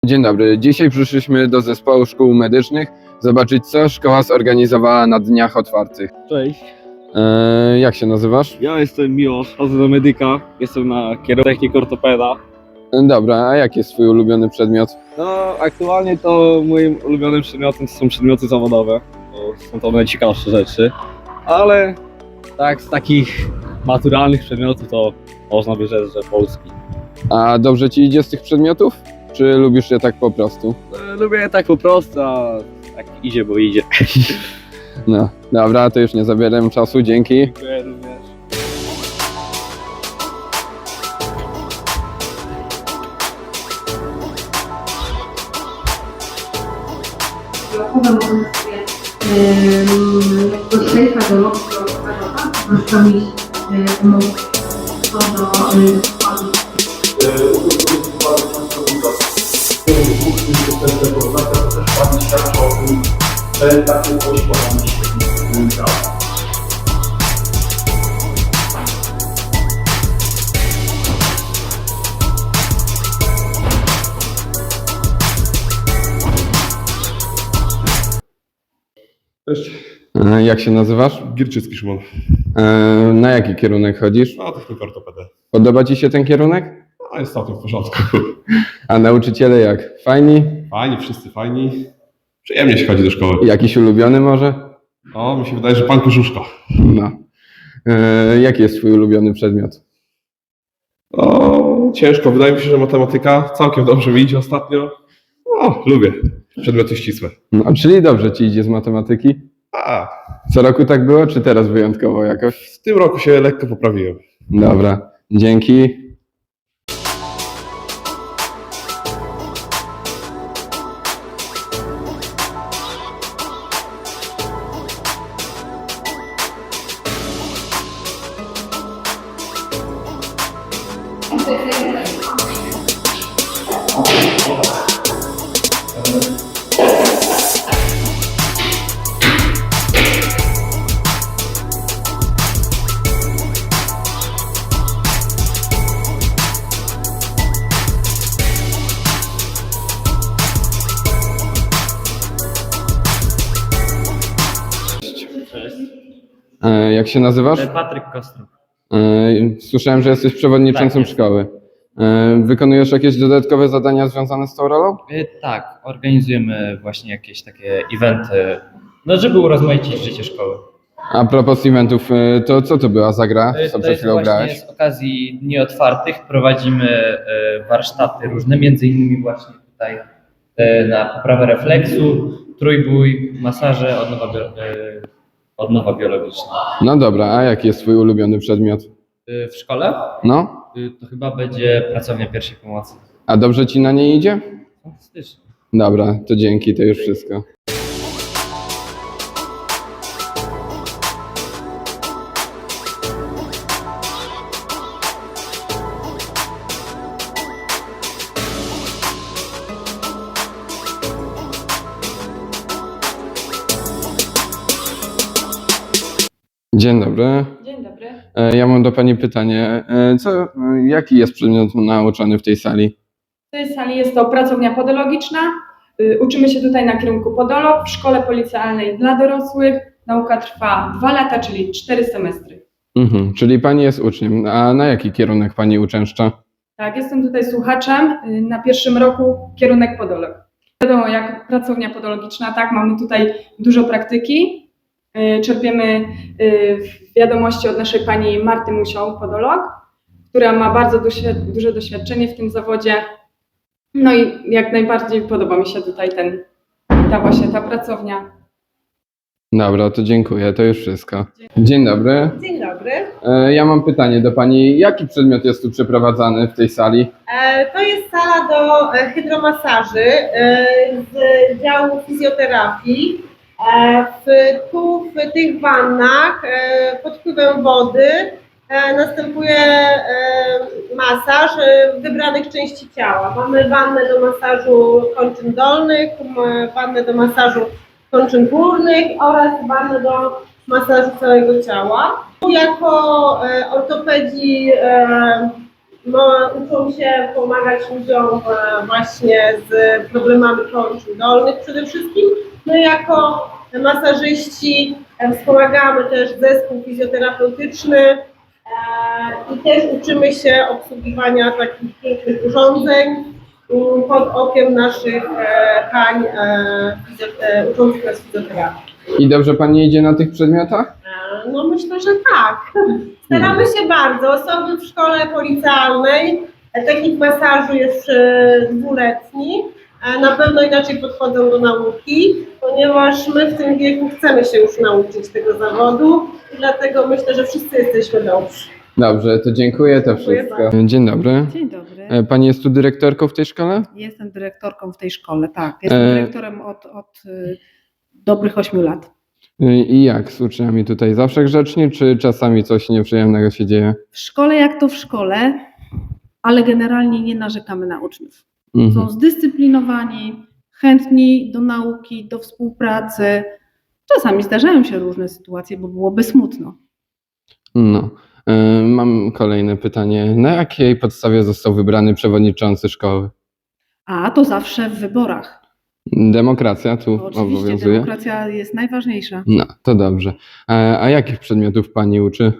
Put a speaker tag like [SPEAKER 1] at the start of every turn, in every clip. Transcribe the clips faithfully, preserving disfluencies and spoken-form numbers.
[SPEAKER 1] Dzień dobry. Dzisiaj przyszliśmy do zespołu szkół medycznych zobaczyć, co szkoła zorganizowała na dniach otwartych.
[SPEAKER 2] Cześć,
[SPEAKER 1] E, jak się nazywasz?
[SPEAKER 2] ja jestem Miłosz, chodzę do medyka, jestem na kierunku technik ortopeda.
[SPEAKER 1] E, dobra, a jaki jest twój ulubiony przedmiot?
[SPEAKER 2] No, aktualnie to moim ulubionym przedmiotem są przedmioty zawodowe, bo są to najciekawsze rzeczy, ale tak z takich maturalnych przedmiotów to można by rzec, że polski.
[SPEAKER 1] A dobrze ci idzie z tych przedmiotów? Czy lubisz je tak po prostu?
[SPEAKER 2] E, Lubię je tak po prostu, a tak idzie, bo idzie.
[SPEAKER 1] No, dobra, to już nie zabieram czasu, dzięki.
[SPEAKER 2] Dziękuję również.
[SPEAKER 3] Blokowe możemy sobie em, jakby przejechać do lotu lotowego, zwłaszczami umów co do y, składu.
[SPEAKER 4] Cześć,
[SPEAKER 1] E, jak się nazywasz?
[SPEAKER 4] Gierczycki Szymon.
[SPEAKER 1] E, na jaki kierunek chodzisz?
[SPEAKER 4] No, technika ortopeda.
[SPEAKER 1] Podoba ci się ten kierunek?
[SPEAKER 4] No, jest całkiem w porządku.
[SPEAKER 1] A nauczyciele jak? Fajni?
[SPEAKER 4] Fajni, wszyscy fajni. Przyjemnie się chodzi do szkoły.
[SPEAKER 1] Jakiś ulubiony może?
[SPEAKER 4] O, mi się wydaje, że pan Kożuszko.
[SPEAKER 1] No. E, jaki jest twój ulubiony przedmiot?
[SPEAKER 4] O, ciężko. Wydaje mi się, że matematyka całkiem dobrze mi idzie ostatnio. O, lubię. Przedmioty ścisłe.
[SPEAKER 1] No, czyli dobrze ci idzie z matematyki?
[SPEAKER 4] A,
[SPEAKER 1] Co roku tak było, czy teraz wyjątkowo jakoś?
[SPEAKER 4] w tym roku się lekko poprawiłem.
[SPEAKER 1] Dobra, dzięki. E, jak się nazywasz?
[SPEAKER 5] Patryk Kostrów.
[SPEAKER 1] E, słyszałem, że jesteś przewodniczącym
[SPEAKER 5] Tak, jest.
[SPEAKER 1] szkoły. E, wykonujesz jakieś dodatkowe zadania związane z tą rolą?
[SPEAKER 5] Y, Tak, organizujemy właśnie jakieś takie eventy, no żeby urozmaicić życie szkoły.
[SPEAKER 1] A propos eventów, e, to co to była za gra,
[SPEAKER 5] Y,
[SPEAKER 1] co
[SPEAKER 5] To
[SPEAKER 1] przed
[SPEAKER 5] jest
[SPEAKER 1] chwilą
[SPEAKER 5] właśnie
[SPEAKER 1] grałeś?
[SPEAKER 5] z okazji Dni Otwartych prowadzimy y, warsztaty różne, między innymi właśnie tutaj y, na poprawę refleksu, trójbój, masaże, odnowa, bio- y, odnowa biologiczna.
[SPEAKER 1] No dobra, a jaki jest twój ulubiony przedmiot?
[SPEAKER 5] Y, W szkole
[SPEAKER 1] No?
[SPEAKER 5] y, to chyba będzie pracownia pierwszej pomocy.
[SPEAKER 1] A dobrze ci na niej idzie?
[SPEAKER 5] Fantastycznie.
[SPEAKER 1] Dobra, to dzięki, to już wszystko. Dzień dobry.
[SPEAKER 6] Dzień dobry.
[SPEAKER 1] E, Ja mam do Pani pytanie. E, Co, e, jaki jest przedmiot nauczany w tej sali?
[SPEAKER 6] W tej sali jest to pracownia podologiczna. Y, Uczymy się tutaj na kierunku podolog w szkole policealnej dla dorosłych. Nauka trwa dwa lata, czyli cztery semestry.
[SPEAKER 1] Mhm, czyli Pani jest uczniem. A na jaki kierunek Pani uczęszcza?
[SPEAKER 6] Tak, jestem tutaj słuchaczem. Y, Na pierwszym roku kierunek podolog. Wiadomo, jak pracownia podologiczna, tak, mamy tutaj dużo praktyki. Y, Czerpiemy y, wiadomości od naszej pani Marty Musią, podolog, która ma bardzo duże, duże doświadczenie w tym zawodzie. No i jak najbardziej podoba mi się tutaj ten, ta właśnie ta pracownia.
[SPEAKER 1] Dobra, to dziękuję, to już wszystko. Dzień dobry.
[SPEAKER 7] Dzień dobry.
[SPEAKER 1] E, Ja mam pytanie do Pani. Jaki przedmiot jest tu przeprowadzany w tej sali?
[SPEAKER 7] E, To jest sala do e, hydromasaży e, z działu fizjoterapii. E, W, tu w tych wannach e, pod wpływem wody e, następuje e, masaż e, wybranych części ciała. Mamy wannę do masażu kończyn dolnych, m- wannę do masażu kończyn górnych oraz wannę do masażu całego ciała. Jako e, ortopedzi e, no, uczą się pomagać ludziom e, właśnie z problemami kończyn dolnych przede wszystkim. My jako masażyści e, wspomagamy też zespół fizjoterapeutyczny e, i też uczymy się obsługiwania takich pięknych urządzeń m, pod okiem naszych e, pań e, fizjo- e, uczących nas fizjoterapii.
[SPEAKER 1] I dobrze pani idzie na tych przedmiotach?
[SPEAKER 7] E, No myślę, że tak. Staramy się bardzo. Osoby w szkole policealnej, e, technik masażu jest e, dwuletni. E, Na pewno inaczej podchodzą do nauki, ponieważ my w tym wieku chcemy się już nauczyć tego zawodu i dlatego myślę, że wszyscy jesteśmy dobrzy.
[SPEAKER 1] Dobrze, to dziękuję, to
[SPEAKER 7] Dziękuję
[SPEAKER 1] wszystko. Dzień dobry.
[SPEAKER 8] Dzień dobry.
[SPEAKER 1] E, Pani jest tu dyrektorką w tej szkole?
[SPEAKER 8] Jestem dyrektorką w tej szkole, tak. Jestem
[SPEAKER 1] E,
[SPEAKER 8] dyrektorem od, od y, dobrych ośmiu lat.
[SPEAKER 1] E, I jak z uczniami tutaj? Zawsze grzecznie, czy czasami coś nieprzyjemnego się dzieje?
[SPEAKER 8] W szkole jak to w szkole, ale generalnie nie narzekamy na uczniów.
[SPEAKER 1] Mhm.
[SPEAKER 8] Są zdyscyplinowani, chętni do nauki, do współpracy. Czasami zdarzają się różne sytuacje, bo byłoby smutno.
[SPEAKER 1] No. E, Mam kolejne pytanie. Na jakiej podstawie został wybrany przewodniczący szkoły?
[SPEAKER 8] A to zawsze w wyborach.
[SPEAKER 1] Demokracja tu
[SPEAKER 8] Bo oczywiście
[SPEAKER 1] obowiązuje?
[SPEAKER 8] demokracja jest najważniejsza.
[SPEAKER 1] No, to dobrze. A, a jakich przedmiotów pani uczy?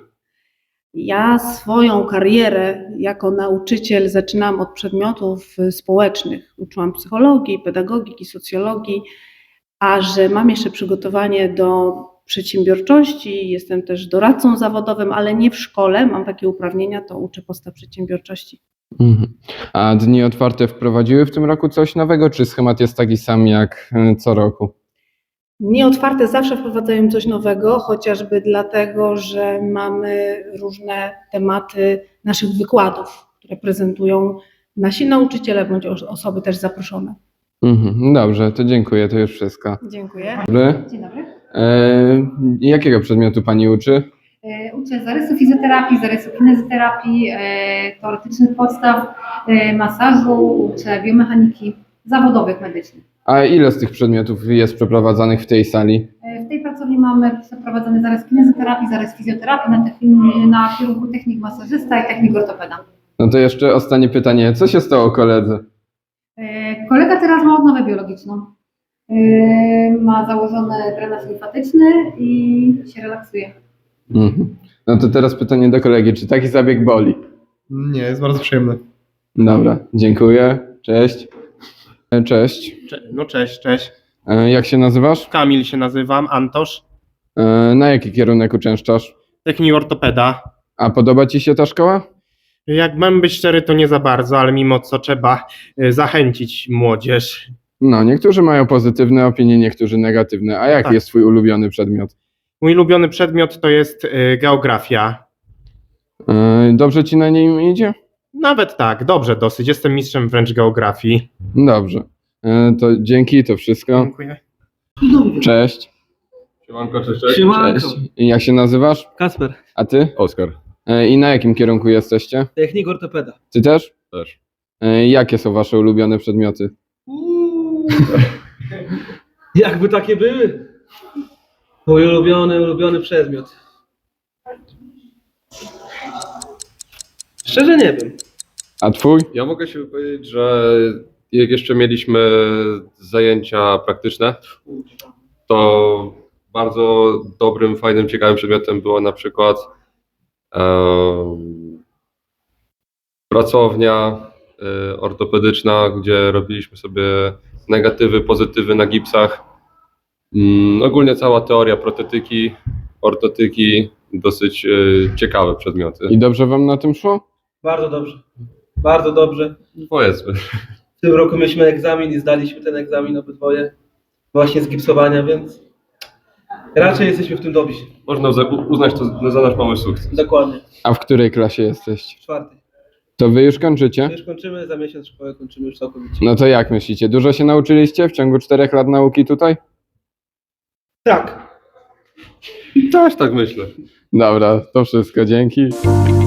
[SPEAKER 8] Ja swoją karierę jako nauczyciel zaczynałam od przedmiotów y, społecznych. Uczyłam psychologii, pedagogiki, socjologii, a że mam jeszcze przygotowanie do przedsiębiorczości, jestem też doradcą zawodowym, ale nie w szkole, mam takie uprawnienia, to uczę podstaw przedsiębiorczości.
[SPEAKER 1] Mhm. A dni otwarte wprowadziły w tym roku coś nowego, czy schemat jest taki sam jak e, co roku?
[SPEAKER 8] Dni otwarte zawsze wprowadzają coś nowego, chociażby dlatego, że mamy różne tematy naszych wykładów, które prezentują nasi nauczyciele bądź os- osoby też zaproszone.
[SPEAKER 1] Mhm. Dobrze, to dziękuję, to już wszystko.
[SPEAKER 8] Dziękuję.
[SPEAKER 1] Dobry.
[SPEAKER 9] Dzień dobry.
[SPEAKER 1] E, jakiego przedmiotu pani uczy?
[SPEAKER 9] E, Uczę zarysu fizjoterapii, zarysu kinezjoterapii, e, teoretycznych podstaw e, masażu, uczę biomechaniki zawodowych medycznych.
[SPEAKER 1] A ile z tych przedmiotów jest przeprowadzanych w tej sali?
[SPEAKER 9] E, W tej pracowni mamy przeprowadzony zarys kinezjoterapii, zarys fizjoterapii na, techni- na kierunku technik masażysta i technik ortopeda.
[SPEAKER 1] No to jeszcze ostatnie pytanie. Co się stało koledze?
[SPEAKER 9] E, Kolega teraz ma odnowę biologiczną. E, Ma założony drenaż limfatyczny i się relaksuje.
[SPEAKER 1] Mhm. No to teraz pytanie do kolegi. Czy taki zabieg boli?
[SPEAKER 10] Nie, jest bardzo przyjemny.
[SPEAKER 1] Dobra, dziękuję. Cześć. E, Cześć.
[SPEAKER 10] Cze- no cześć, cześć.
[SPEAKER 1] E, Jak się nazywasz?
[SPEAKER 10] Kamil się nazywam, Antosz.
[SPEAKER 1] E, Na jaki kierunek uczęszczasz?
[SPEAKER 10] Technik ortopeda.
[SPEAKER 1] A podoba ci się ta szkoła?
[SPEAKER 10] Jak mam być szczery, to nie za bardzo, ale mimo co trzeba y, zachęcić młodzież.
[SPEAKER 1] No, niektórzy mają pozytywne opinie, niektórzy negatywne. A jaki
[SPEAKER 10] Tak.
[SPEAKER 1] jest twój ulubiony przedmiot?
[SPEAKER 10] Mój ulubiony przedmiot to jest y, geografia.
[SPEAKER 1] E, Dobrze ci na nim idzie?
[SPEAKER 10] Nawet tak, dobrze dosyć. Jestem mistrzem wręcz geografii.
[SPEAKER 1] Dobrze. E, To dzięki, to wszystko.
[SPEAKER 10] Dziękuję.
[SPEAKER 1] Cześć.
[SPEAKER 2] Siemanko, cześć, cześć.
[SPEAKER 1] Cześć. I jak się nazywasz?
[SPEAKER 11] Kasper,
[SPEAKER 1] A ty?
[SPEAKER 2] Oskar.
[SPEAKER 1] E, I na jakim kierunku jesteście?
[SPEAKER 11] technik ortopeda.
[SPEAKER 1] Ty też?
[SPEAKER 2] Też.
[SPEAKER 1] E, Jakie są wasze ulubione przedmioty?
[SPEAKER 11] Jakby takie były. Mój ulubiony, ulubiony przedmiot. Szczerze nie wiem.
[SPEAKER 1] A twój?
[SPEAKER 12] Ja mogę się wypowiedzieć, że jak jeszcze mieliśmy zajęcia praktyczne, to bardzo dobrym, fajnym, ciekawym przedmiotem była na przykład em, pracownia e, ortopedyczna, gdzie robiliśmy sobie negatywy, pozytywy na gipsach. Mm, ogólnie cała teoria protetyki, ortotyki, dosyć e, ciekawe przedmioty.
[SPEAKER 1] I dobrze wam na tym szło?
[SPEAKER 11] Bardzo dobrze. Bardzo dobrze.
[SPEAKER 12] Powiedzmy.
[SPEAKER 11] W tym roku mieliśmy egzamin i zdaliśmy ten egzamin obydwoje. Właśnie z gipsowania, więc raczej jesteśmy w tym dobrzy.
[SPEAKER 12] Można uza- uznać to za nasz mały sukces.
[SPEAKER 11] Dokładnie.
[SPEAKER 1] A w której klasie jesteście?
[SPEAKER 11] Czwarty.
[SPEAKER 1] To wy już kończycie?
[SPEAKER 11] Już kończymy, za miesiąc szkołę kończymy już całkowicie.
[SPEAKER 1] No to jak myślicie? Dużo się nauczyliście w ciągu czterech lat nauki tutaj?
[SPEAKER 11] Tak.
[SPEAKER 12] Też tak myślę.
[SPEAKER 1] Dobra, to wszystko, dzięki.